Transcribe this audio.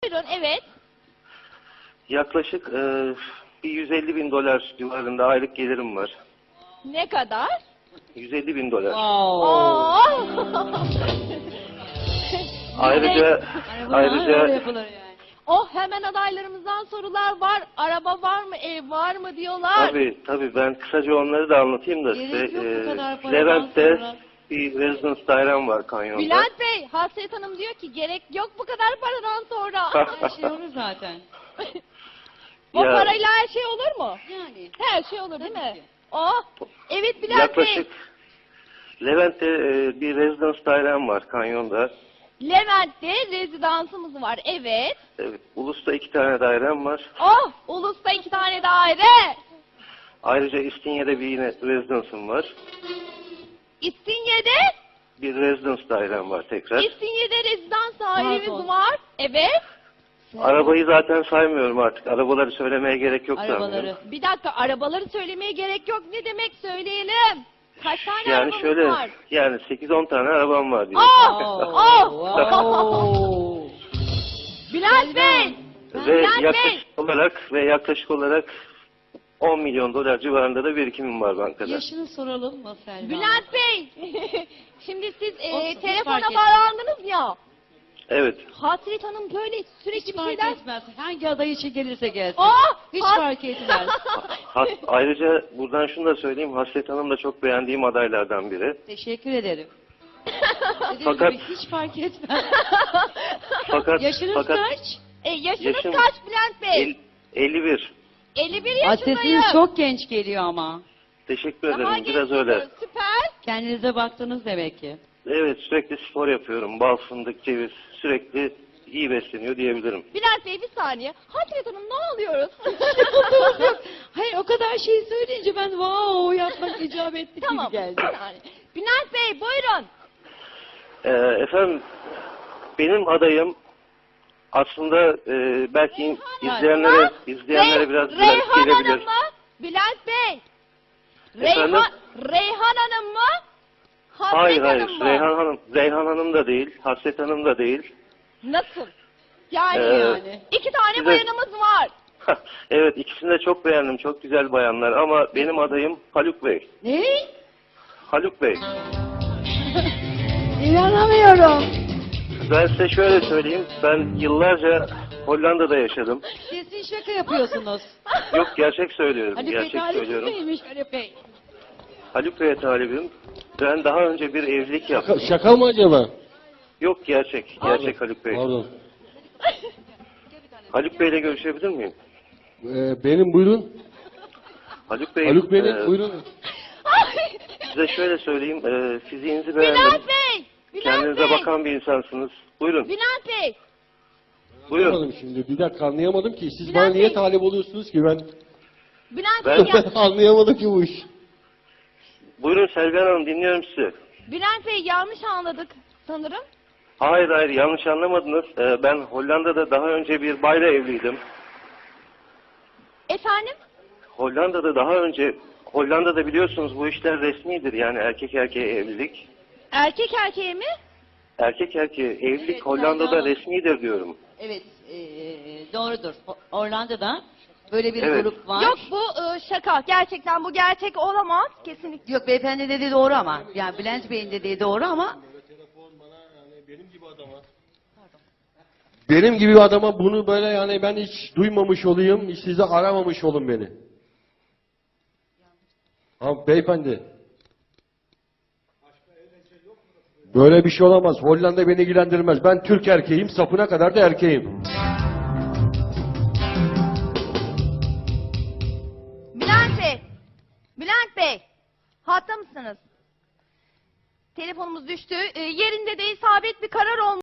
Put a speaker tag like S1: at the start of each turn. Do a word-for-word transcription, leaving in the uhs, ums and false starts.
S1: Buyurun, evet.
S2: Yaklaşık e, bir yüz elli bin dolar civarında aylık gelirim var.
S1: Ne kadar?
S2: yüz elli bin dolar.
S1: Oo.
S2: Ayrıca ayrıca
S3: yapılır yani.
S1: Oh, hemen adaylarımızdan sorular var. Araba var mı, ev var mı diyorlar.
S2: tabii tabii ben kısaca onları da anlatayım da size.
S3: Gerek yok bu kadar paradan
S2: Levent'te
S3: sonra.
S2: bir residence dairem var kanyonda.
S1: Bülent Bey, Hasret Hanım diyor ki gerek yok bu kadar paradan sonra.
S3: Her şey olur zaten.
S1: O
S2: Ya-
S1: parayla her şey olur mu?
S3: Yani.
S1: Her şey olur değil
S3: Tabii
S1: mi?
S3: ki.
S1: Oh, evet Bülent
S2: Yaklaşık
S1: Bey.
S2: Levent'te e, bir residence dairem var kanyonda.
S1: Levent'te rezidansımız var, evet.
S2: Evet, Ulus'ta iki tane dairem var.
S1: Oh, Ulus'ta iki tane daire.
S2: Ayrıca İstinye'de bir yine residence'ım var.
S1: İstinye'de,
S2: Bir residence dairem var tekrar.
S1: İstinye'de rezidans
S3: Pardon.
S1: dairemiz var. Evet.
S2: Arabayı zaten saymıyorum artık. Arabaları söylemeye gerek yok
S3: Arabaları.
S2: sanırım.
S1: Bir dakika, arabaları söylemeye gerek yok. Ne demek, söyleyelim. Kaç tane
S2: Yani
S1: arabamız
S2: şöyle,
S1: var?
S2: yani sekiz on tane arabam var diye.
S1: Oh, oh.
S3: Wow.
S1: Bülent Bey.
S2: Ve
S1: Bülent Bey.
S2: yaklaşık olarak ve yaklaşık olarak on milyon dolar civarında da birikimim var bankada.
S3: Yaşını soralım mı Selma?
S1: Bülent Bey. Şimdi siz e,
S3: Olsun, hiç
S1: telefona
S3: fark etmez.
S1: bağlandınız ya.
S2: Evet.
S1: Hasret Hanım böyle sürekli
S3: Hiç
S1: bir
S3: fark
S1: şeyler...
S3: etmez. Hangi aday için gelirse gelsin.
S1: Oh,
S3: Hiç
S1: has-
S3: fark etmez.
S2: Ha- ayrıca buradan şunu da söyleyeyim. Hasret Hanım da çok beğendiğim adaylardan biri.
S3: Teşekkür ederim. Dediğim
S2: Fakat-
S3: gibi hiç fark etmez.
S2: Fakat
S3: Yaşınız
S2: fakat
S3: kaç?
S1: E, yaşınız
S2: Yaşım-
S1: kaç Bülent Bey?
S2: el- elli bir.
S1: elli bir
S3: Ay,
S1: yaşındayım.
S3: sesiniz çok genç geliyor ama.
S2: Teşekkür
S1: Daha
S2: ederim.
S1: genç
S2: Biraz öyle.
S1: geliyor, süper.
S3: Kendinize baktınız demek ki.
S2: Evet, sürekli spor yapıyorum. Bal, fındık, ceviz. Sürekli iyi besleniyor diyebilirim.
S1: Bülent Bey bir saniye. Hasret Hanım ne oluyoruz?
S3: Hayır, o kadar şey söyleyince ben wow yapmak icap etti
S1: Tamam.
S3: gibi geldi.
S1: bir saniye. Bülent Bey buyurun.
S2: Ee, efendim, benim adayım aslında e, belki
S1: Reyhan
S2: izleyenlere
S1: Hanım.
S2: izleyenlere
S1: Rey-
S2: biraz biraz
S1: Reyhan
S2: gelebilir.
S1: Hanım mı? Bülent Bey.
S2: Efendim?
S1: Reyhan, Reyhan Hanım mı? Hasret
S2: Hayır hayır,
S1: Hanım mı?
S2: Reyhan Hanım, Reyhan Hanım da değil, Hasret Hanım da değil.
S1: Nasıl? Yani,
S2: Ee,
S1: yani. iki tane
S2: size-
S1: bayanımız var.
S2: Evet, ikisini de çok beğendim, çok güzel bayanlar ama benim adayım Haluk Bey.
S3: Ne?
S2: Haluk Bey,
S3: İnanamıyorum.
S2: ben size şöyle söyleyeyim, ben yıllarca Hollanda'da yaşadım.
S3: Kesin şaka yapıyorsunuz.
S2: Yok, gerçek söylüyorum,
S3: Haluk Bey
S2: gerçek
S3: talipsiz
S2: söylüyorum.
S3: miymiş Haluk Bey?
S2: Haluk Bey'e talibim. Ben daha önce bir evlilik yaptım.
S4: Şaka, şaka mı acaba?
S2: Yok, gerçek, gerçek Haluk Bey.
S4: Pardon.
S2: Haluk Bey'le görüşebilir miyim?
S4: Ee, benim buyurun.
S2: Haluk Bey,
S4: Haluk benim
S2: e,
S4: buyurun.
S2: size şöyle söyleyeyim, e, fiziğinizi beğendim.
S1: Bülent Bey. Bülent
S2: Kendinize
S1: Bey.
S2: bakan bir insansınız. Buyurun,
S1: Bülent Bey.
S2: buyurun.
S4: Anlamadım şimdi. Bir dakika anlayamadım ki. Siz
S1: Bülent
S4: bana niye
S1: Bey.
S4: talip oluyorsunuz ki ben?
S1: Bülent
S2: Ben-
S1: Bey. ya-
S4: Anlayamadım ki bu iş.
S2: Buyurun Selvihan Hanım, dinliyorum sizi.
S1: Bülent Bey yanlış anladık sanırım.
S2: Hayır hayır, yanlış anlamadınız. E, ben Hollanda'da daha önce bir bayla evliydim.
S1: Efendim?
S2: Hollanda'da daha önce, Hollanda'da biliyorsunuz bu işler resmidir. Yani erkek erkeğe evlilik.
S1: Erkek erkeğe mi?
S2: Erkek erkeğe evlilik
S3: Evet,
S2: Hollanda'da
S3: Selvihan Hanım.
S2: resmidir diyorum.
S3: Evet, eee, doğrudur. O- Orlando'da böyle bir
S2: Evet.
S3: grup var.
S1: Yok bu e, şaka. Gerçekten bu gerçek olamaz. Kesinlikle.
S3: Yok, beyefendi dediği doğru ama. Yani Bülent Bey'in dediği doğru ama
S4: Benim gibi adama. Benim gibi bir adama bunu böyle yani ben hiç duymamış olayım, hiç size aramamış olun beni. Ha beyefendi. Böyle bir şey olamaz. Hollanda beni ilgilendirmez. Ben Türk erkeğim, sapına kadar da erkeğim.
S1: Bülent Bey. Bülent Bey. Hatta mısınız? Telefonumuz düştü. E, yerinde de isabet bir karar olmuş.